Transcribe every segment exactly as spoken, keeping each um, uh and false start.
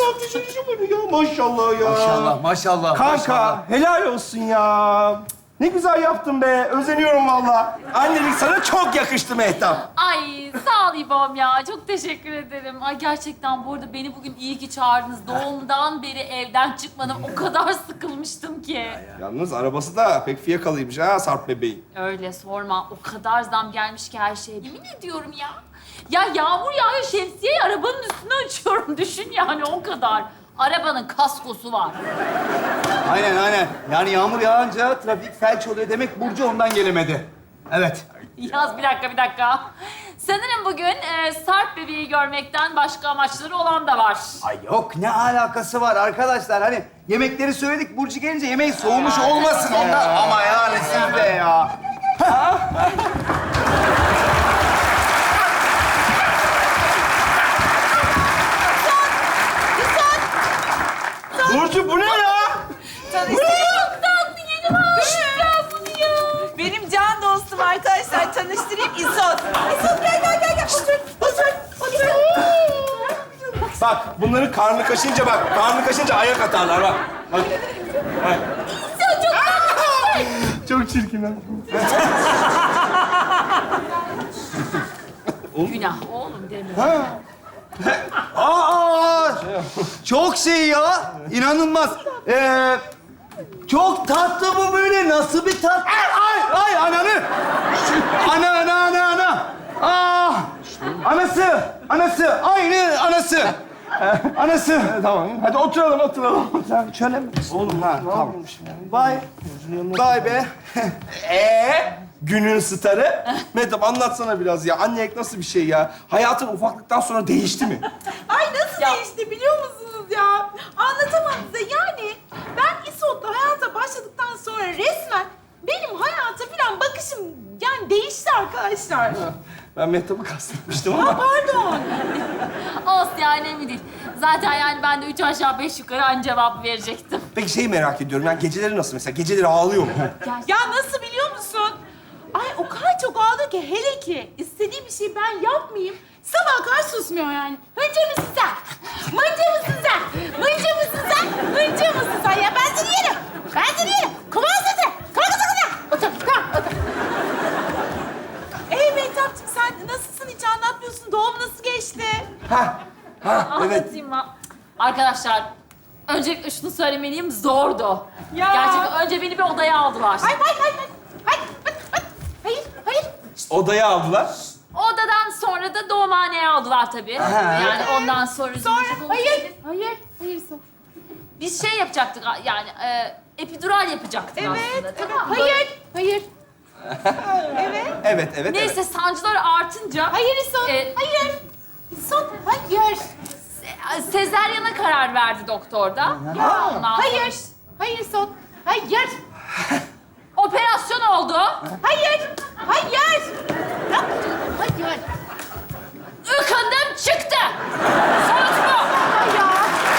Ateşin işi bunu ya. Maşallah ya. Maşallah, maşallah. Kanka maşallah. helal olsun ya. Ne güzel yaptın be. Özeniyorum valla. Annelik sana çok yakıştı Mehtap. Ay sağ ol İbo'm ya. Çok teşekkür ederim. Ay gerçekten bu arada beni bugün iyi ki çağırdınız. Doğumdan beri evden çıkmadım. O kadar sıkılmıştım ki. Yalnız arabası da pek fiyakalıymış ha Sarp bebeği. Öyle sorma. O kadar zam gelmiş ki her şeye. Yemin ediyorum ya. Ya yağmur yağıyor, şemsiyeyi arabanın üstüne açıyorum. Düşün yani o kadar. Arabanın kaskosu var. Aynen, aynen. Yani yağmur yağınca trafik felç oluyor demek Burcu ondan gelemedi. Evet. Yaz bir dakika, bir dakika. Sanırım bugün e, Sarp bebeği görmekten başka amaçları olan da var. Ay yok, ne alakası var arkadaşlar? Hani yemekleri söyledik, Burcu gelince yemeği soğumuş olmasın ondan. Ama yani siz de ya. Burcu bu ne ya? Çok tatlı yeni var. Ben bunu ya. Benim can dostum arkadaşlar. Tanıştırayım İsot. İsot gel gel gel gel. Otur otur otur. Bak bunların karnı kaşınca bak. Karnı kaşınca ayak atarlar bak. Bak. Bak. Çok çirkin ha. Günah oğlum deme. Aa, çok şey ya. İnanılmaz. Ee, çok tatlı bu böyle. Nasıl bir tat? Ay, ay, ay ananı. Ana, ana, ana, ana. Ah, anası, anası. Aynı anası. Anası. Tamam. Hadi oturalım oturalım. Sen şöyle mi? Oğlum ha, tamam. Vay. Vay be. Ee, günün starı. Mehtap anlatsana biraz ya. Annelik nasıl bir şey ya? Hayatın ufaklıktan sonra değişti mi? Ay nasıl Ya. değişti biliyor musunuz ya? Anlatamam size. Yani ben İsot'la hayata başladıktan sonra resmen benim hayata falan bakışım yani değişti arkadaşlar. Ben Mehtap'ı kastetmiştim Ha ama. pardon. Olsun ya önemli değil. Zaten yani ben de üç aşağı beş yukarı aynı cevap verecektim. Peki şeyi merak ediyorum. Yani geceleri nasıl mesela? Geceleri ağlıyor mu? Ya nasıl biliyor musun? Ay o kadar çok ağlıyor ki hele ki istediği bir şey ben yapmayayım. Sabah kadar susmuyor yani. Hınca mısın sen? Mınca mısın sen? Mınca mısın sen? Mınca mısın sen? Ya ben seni yerim. Ben seni yerim. Kumar sesi. Kalk kalk kalk. Otur kalk otur. Ey Mehtapcığım sen nasılsın? Hiç anlatmıyorsun. Doğum nasıl geçti? Ha, ha, evet. Anlatayım mı? Arkadaşlar, öncelikle şunu söylemeliyim, zordu. Ya. Gerçekten önce beni bir odaya aldılar. Hayır hayır hayır. Hayır hayır hayır. Hayır hayır. Odaya aldılar. Odadan sonra da doğumhaneye aldılar tabii. Yani ondan sonra... Sonra hayır. Hayır. Hayır son. Biz şey yapacaktık yani, e, epidural yapacaktık Evet. aslında. Evet. Tamam mı? Hayır. Hayır. Evet. Evet, evet, Neyse evet. sancılar artınca... Hayır İsot. e, Hayır. İsot. Hayır. se- sezeryana karar verdi doktor da. Ondan sonra Hayır. Hayır İsot. Hayır. operasyon oldu. Hayır. Hayır. Hayır. Ikındım çıktı. Sonuç bu. Hayır.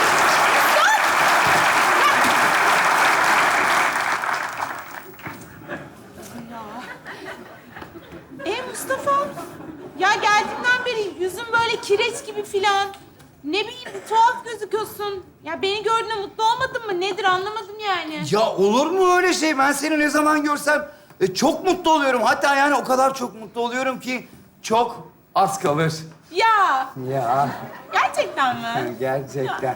E Mustafa, ya geldiğimden beri yüzün böyle kireç gibi filan. Ne bileyim bir tuhaf gözüküyorsun. Ya beni gördüğünde mutlu olmadın mı? Nedir anlamadım yani. Ya olur mu öyle şey? Ben seni ne zaman görsem e, çok mutlu oluyorum. Hatta yani o kadar çok mutlu oluyorum ki çok az kalır. Ya Ya gerçekten mi? gerçekten.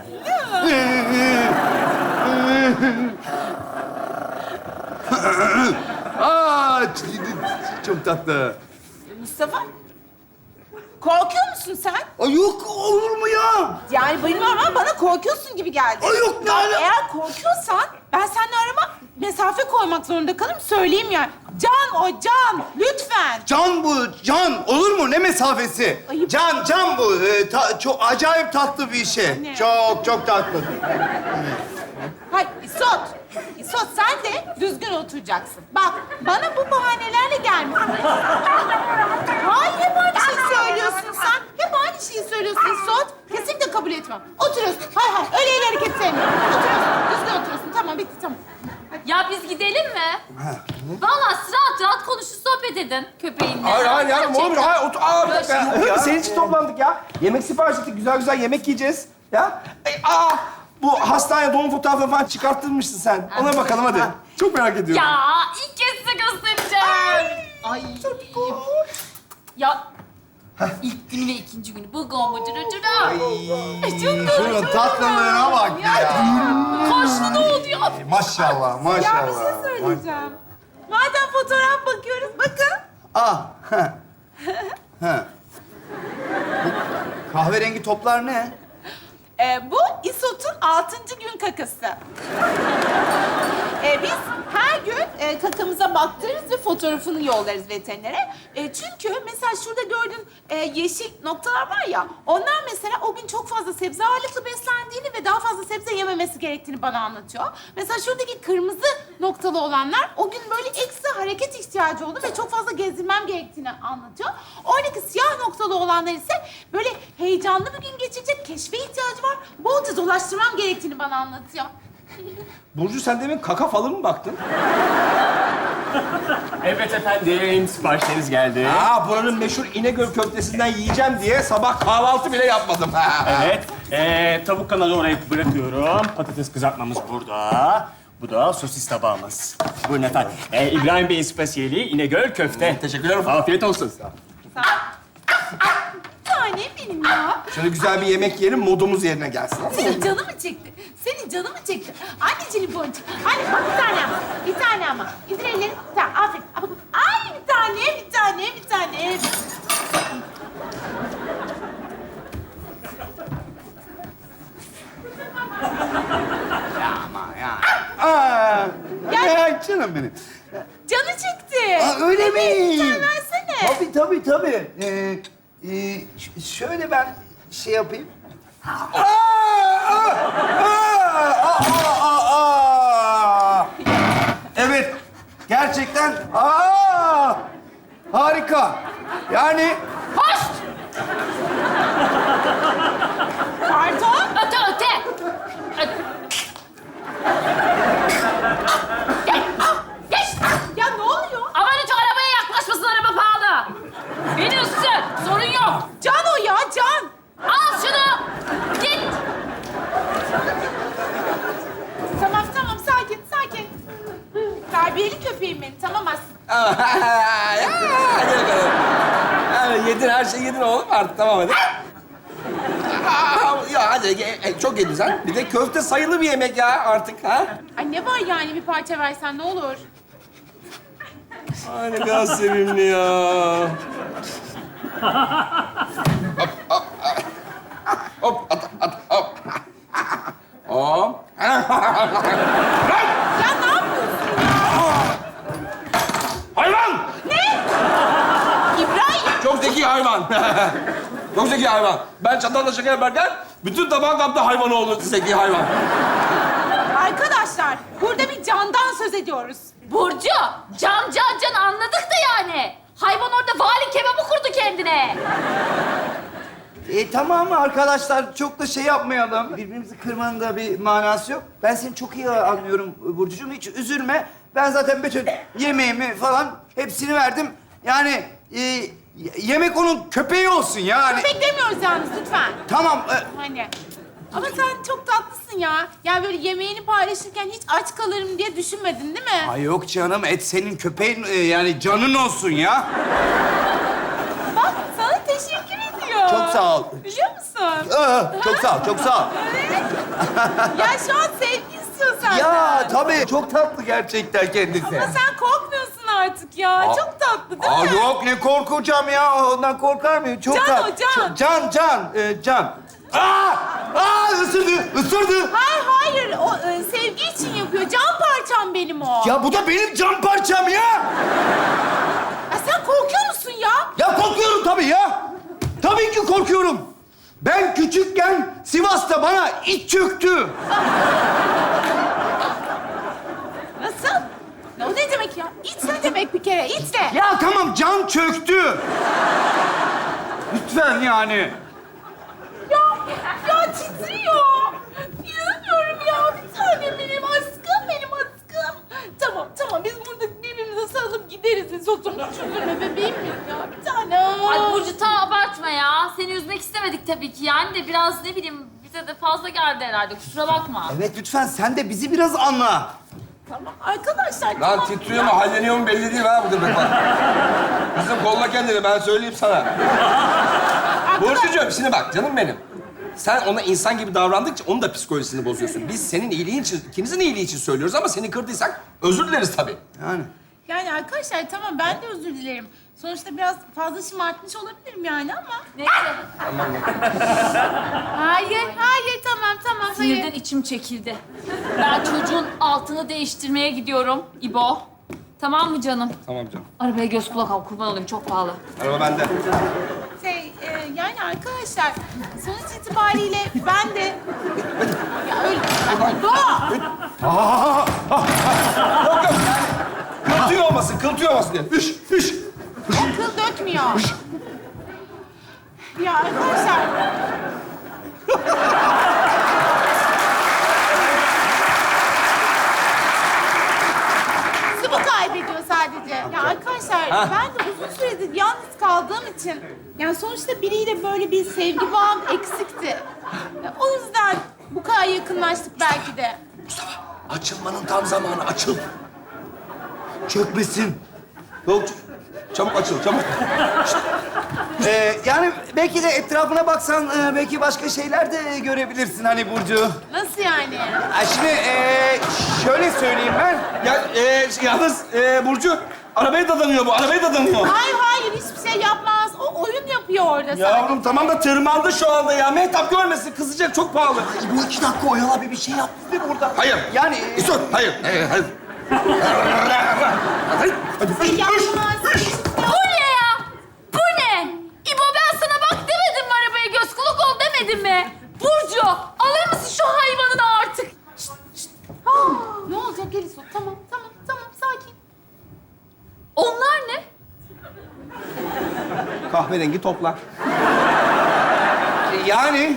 Aa, ç- çok tatlı. Mustafa, korkuyor musun sen? Ay yok olur mu ya? Yani bilmiyorum ama bana korkuyorsun gibi geldi. Ay yok ne ala- Eğer korkuyorsan ben seninle arama mesafe koymak zorunda kalırım. Söyleyeyim yani. Can o can. Lütfen. Can bu, can. Olur mu? Ne mesafesi? Ayıp. Can, can bu. Ee, ta- çok acayip tatlı bir şey. Ne? Çok, çok tatlı. Hayır İsot. İsot sen de düzgün oturacaksın. Bak bana bu bahanelerle gelme. Hayır hep aynı şeyi söylüyorsun sen. Hep aynı şeyi söylüyorsun İsot. Kesinlikle kabul etmem. Oturuyorsun. Hayır hayır öyle el hareket sevmiyorum. Oturuyorsun. Düzgün oturuyorsun. Tamam bitti tamam. Ya biz gidelim mi? Vallahi siz rahat rahat konuşun, sohbet edin köpeğinle. Hayır, hayır yavrum olur mu? Hayır, otur. Aa, bir Böyle dakika. şey Senin için toplandık ya. Yemek sipariş ettik. Güzel güzel yemek yiyeceğiz. Ya. E, aa, bu hastane doğum fotoğrafını falan çıkarttırmışsın sen. Ona bakalım hadi. Çok merak ediyorum. Ya ilk kez size göstereceğim. Ay. Ya ilk günü ve ikinci günü bu gombacı röcüra. Çok doğru, Şunun çok tatlılığına bak ya. Kaşlı da oldu ya. Maşallah, maşallah. Ya bir şey söyleyeceğim. Madem fotoğraf bakıyoruz, bakın. Ah, ha. Ha. Bu kahverengi toplar ne? Ee, bu İsot'un altıncı gün kakası. Ee, biz her gün e, kakamıza baktırırız ve fotoğrafını yollarız veterinere. E, çünkü mesela şurada gördüğün e, yeşil noktalar var ya, onlar mesela o gün çok fazla sebze ağırlıklı beslendiğini ve daha fazla sebze yememesi gerektiğini bana anlatıyor. Mesela şuradaki kırmızı noktalı olanlar o gün böyle ekstra hareket ihtiyacı oldu ve çok fazla gezdirmem gerektiğini anlatıyor. Oradaki siyah noktalı olanlar ise böyle heyecanlı bir gün geçirecek, keşfe ihtiyacı var. Bolca dolaştırmam gerektiğini bana anlatıyor. Burcu sen demin kaka falan mı baktın? Evet efendim, siparişleriniz geldi. Aa, buranın meşhur İnegöl köftesinden yiyeceğim diye sabah kahvaltı bile yapmadım. Evet, ee, tavuk kanalı oraya bırakıyorum. Patates kızartmamız burada. Bu da sosis tabağımız. Buyurun efendim. Ee, İbrahim Bey'in spesiyeli İnegöl köfte. Teşekkürler. Afiyet olsun. Tanem benim ya. Şöyle güzel bir yemek yiyelim, modumuz yerine gelsin. Senin canı mı çekti? Senin canı mı çekti? Anneciğim boncuk. Anne bak bir tane ama. Bir tane ama. İndir elleri. Tamam aferin. Ay bir tane, bir tane, bir tane. Aa, Gel. ya canım benim. Canı çekti. Aa, öyle mi? Bir tane versene. Tabii, tabii, tabii. Ee, e, ş- şöyle ben şey yapayım. Aa, aa, aa, aa, aa, aa. Evet, gerçekten aa, harika. Yani Hoş! Pardon. Öte öte. Öte. Gel. Geç. Ya ne oluyor? Aman hiç arabaya yaklaşmasın, araba pahalı. Beni ısır, sorun yok. Can o ya, Can. Al şunu. Git. Tamam tamam sakin sakin. Terbiyeli köpeğim benim. Tamam aslında. Ya, hadi bakalım. Yani yedin, her şeyi yedin oğlum artık. Tamam hadi. Aa, ya hadi, e, çok yedin sen. Bir de köfte sayılı bir yemek ya artık, ha? Ay ne var yani, bir parça versen ne olur? Ay ne kadar sevimli ya. Hop, at, at, hop. Hop. Ya ne yapıyorsun? Hayvan! İbrahim. Çok zeki hayvan. Çok zeki hayvan. Ben çatalla şaka yaparken bütün tabağın kaptı hayvan oldu, zeki hayvan. Arkadaşlar burada bir candan söz ediyoruz. Burcu, can can can anladık da yani. Hayvan orada vali kebabı kurdu kendine. E, tamam arkadaşlar, çok da şey yapmayalım. Birbirimizi kırmanın da bir manası yok. Ben seni çok iyi anlıyorum Burcucuğum, hiç üzülme. Ben zaten bütün yemeğimi falan hepsini verdim. Yani e, yemek onun köpeği olsun yani. Köpek demiyoruz yalnız lütfen. Tamam. e, Hani. Ama sen çok tatlısın ya. Yani böyle yemeğini paylaşırken hiç aç kalırım diye düşünmedin değil mi? Ay yok canım, et senin köpeğin, e, yani canın olsun ya. Bak sana teşekkür ediyor. Çok sağ ol. Biliyor musun? Aa, çok sağ ol, çok sağ ol. Evet. Ya şu an sevgi istiyor senden. Ya tabii, çok tatlı gerçekten kendisi. Ama sen korkmuyorsun artık ya. Aa. Çok tatlı değil Aa mi? yok, ne korkacağım ya, ondan korkar mıyım? Çok Can tatlı. o, Can. Ç- Can, Can, e, Can. Aa! Aa, ısırdı, ısırdı. Hayır hayır. O e, sevgi için yapıyor. Can parçam benim o. Ya bu da benim can parçam ya. Ya sen korkuyor musun ya? Ya korkuyorum tabii ya. Tabii ki korkuyorum. Ben küçükken Sivas'ta bana it çöktü. Nasıl? Ne o ne demek ya? İt ne demek bir kere? İt ne? Ya tamam, can çöktü. Lütfen yani. Ya, ya titriyor. İnanamıyorum ya. Bir tane benim aşkım, benim aşkım. Tamam, tamam. Biz burada birbirimize sarılıp gideriz. Oturmuş üzülme bebeğim benim ya. Bir tane. Ay Burcu, tamam abartma ya. Seni üzmek istemedik tabii ki yani de biraz ne bileyim bize size de fazla geldi herhalde. Kusura bakma. Evet lütfen sen de bizi biraz anla. Tamam arkadaşlar Lan tamam. titriyor mu, halleniyor mu belli değil ha bu demek bak. Kızım kolla kendini, ben söyleyeyim sana. Burcucuğum şimdi bak canım benim. Sen ona insan gibi davrandıkça onun da psikolojisini bozuyorsun. Biz senin iyiliğin için, ikimizin iyiliği için söylüyoruz ama seni kırdıysak özür dileriz tabii. Yani. Yani arkadaşlar tamam ben de özür dilerim. Sonuçta biraz fazla şımartmış olabilirim yani ama. Neyse. Hayır, hayır tamam tamam Sinirden hayır. içim çekildi. Ben çocuğun altını değiştirmeye gidiyorum İbo. Tamam mı canım? Tamam canım. Arabaya göz kulak al, kurban olayım. Çok pahalı. Araba bende. Şey e, yani arkadaşlar sonuç itibariyle ben de... Ya öyle... Doğa! Yok yok. Kıltıyor olmasın, kıltıyor olmasın diye. Hış, hış. O kıl dökmüyor. Ya arkadaşlar... Sıvı kaybediyor sadece. Ya arkadaşlar ben de uzun süredir yalnız kaldığım için... Yani sonuçta biriyle böyle bir sevgi bağım eksikti. Ya, o yüzden bu kadar yakınlaştık belki de. Mustafa, açılmanın tam zamanı. Açıl. Çökmesin. Yok, çabuk açıl, çabuk. Ee, yani belki de etrafına baksan e, belki başka şeyler de görebilirsin hani Burcu. Nasıl yani? Ha, şimdi e, şöyle söyleyeyim ben. Ya e, yalnız e, Burcu, arabaya dadanıyor bu, arabaya dadanıyor. Hayır hayır hiçbir şey yapmaz. O oyun yapıyor orada sadece. Yavrum tamam da tırmandı şu anda ya. Mehtap görmesin, kızacak, çok pahalı. Bu iki dakika oyala bir bir şey yap dedi burada. Hayır. Yani e, İsot, hayır. Hayır, hayır. Hadi, hadi. Şey yapmaz. Bu ne ya? Bu ne? İbo ben sana bak demedim mi arabaya göz kulak ol demedim mi? Burcu alır mısın şu hayvanını artık? Şşt, şşt. Ah, ne olacak Eliso? Tamam tamam tamam sakin. Onlar ne? Kahverengi toplar. yani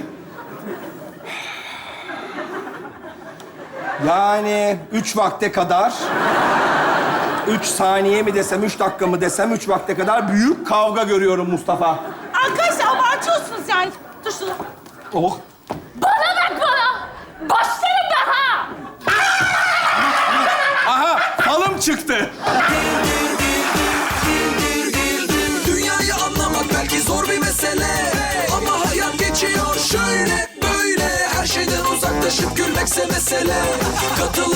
Yani üç vakte kadar, üç saniye mi desem, üç dakika mı desem, üç vakte kadar büyük kavga görüyorum Mustafa. Arkadaşlar abartıyorsunuz yani. Dur şunu. Oh. Bana bak bana! Başlarım ben ha! Aha, falım çıktı. Dünyayı anlamak belki zor bir mesele, ama hayat geçiyor şöyle böyle. Her şeyden uzaklaşıp gülmekse mesele. Katıl